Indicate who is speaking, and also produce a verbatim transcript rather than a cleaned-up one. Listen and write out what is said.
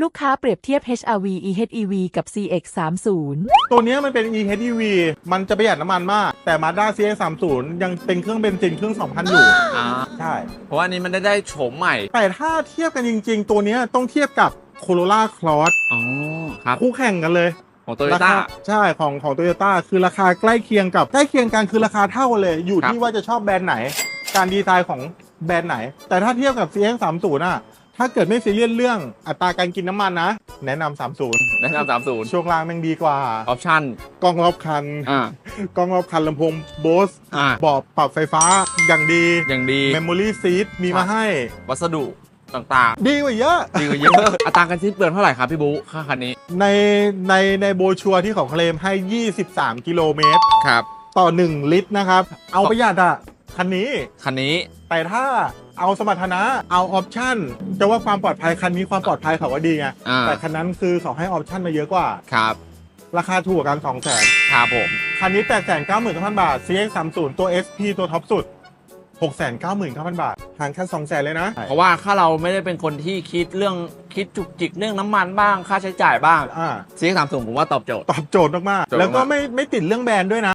Speaker 1: ลูกค้าเปรียบเทียบ เอช อาร์ วี อี เอช อี วี กับ ซี เอ็กซ์ สามสิบ
Speaker 2: ตัวนี้มันเป็น อี เอช อี วี มันจะประหยัดน้ำมันมากแต่ Mazda ซี เอ็กซ์ สามสิบ ยังเป็นเครื่องเบนซินเครื่อง สองพัน อยู่
Speaker 3: อ่า
Speaker 2: ใช่
Speaker 3: เพราะว่านี้มันได้ได้โฉมใหม่
Speaker 2: แต่ถ้าเทียบกันจริงๆ ตัวนี้ต้องเทียบกับ Corolla Cross
Speaker 3: อ๋อครับ
Speaker 2: คู่แข่งกันเลย
Speaker 3: ของโตโยต้า
Speaker 2: ใช่ของของโตโยต้าคือราคาใกล้เคียงกับใกล้เคียงกันคือราคาเท่ากันเลย อยู่
Speaker 3: ครับ
Speaker 2: ที่ว่าจะชอบแบรนด์ไหน การดีไซน์ของแบรนด์ไหน แต่ถ้าเทียบกับ ซี เอ็กซ์ สามสิบ น่ะถ้าเกิดไม่ซีเรียสเรื่องอัตราการกินน้ำมันนะ แนะนำสามสิบ
Speaker 3: แนะนำสามศูนย์
Speaker 2: ช่วงล่างแม่งดีกว่า
Speaker 3: ออปชั่น
Speaker 2: กล้องรอบคัน
Speaker 3: อ่าก
Speaker 2: ล้องรอบคันลำโพงโบส
Speaker 3: อ่า
Speaker 2: เบาะปรับไฟฟ้าอย่างดี
Speaker 3: อย่างดี
Speaker 2: Memory Seat มีมาให้
Speaker 3: วัสดุต่าง
Speaker 2: ดีกว่าเยอะ
Speaker 3: ๆ ดีกว่าเยอะ อัตราการสิ้นเปลืองเท่าไหร่ครับพี่บุ๊ค่าคันนี้
Speaker 2: ในในในโบรชัวร์ที่เขาเคลมให้ ยี่สิบสาม กิโลเมตร
Speaker 3: ครับ
Speaker 2: ต่อ หนึ่ง ลิตรนะครับ เอาประหยัดอ่ะ คันนี้
Speaker 3: คันนี้
Speaker 2: แต่ถ้าเอาสมรรถนะ เอาออปชั่น จะว่าความปลอดภัยคันนี้ความปลอดภัยเขาว่าดีไง
Speaker 3: อ่า
Speaker 2: แต่คันนั้นคือเขาให้ออปชั่นมาเยอะกว่า
Speaker 3: ครับ
Speaker 2: ราคาถูกกว่ากัน สองแสน
Speaker 3: ครับผม
Speaker 2: คันนี้ แปดแสนเก้าหมื่นเก้าพัน บาท ซี เอ็กซ์ สามสิบ ตัว เอส พี ตัวท็อปสุด หกแสนเก้าหมื่นเก้าพัน บาทห่างแค่ สองแสน เลยนะ
Speaker 3: เพราะว่าถ้าเราไม่ได้เป็นคนที่คิดเรื่องคิดจุกจิกเรื่องน้ำมันบ้างค่าใช้จ่ายบ้าง
Speaker 2: อ่า
Speaker 3: ซีเอ็กซ์สามสิบผมว่าตอบโจทย์
Speaker 2: ตอบโจทย์มาก
Speaker 3: โจทย์มาก
Speaker 2: ๆแล้วก็ไม่ไม่ติดเรื่องแบรนด์ด้วยนะ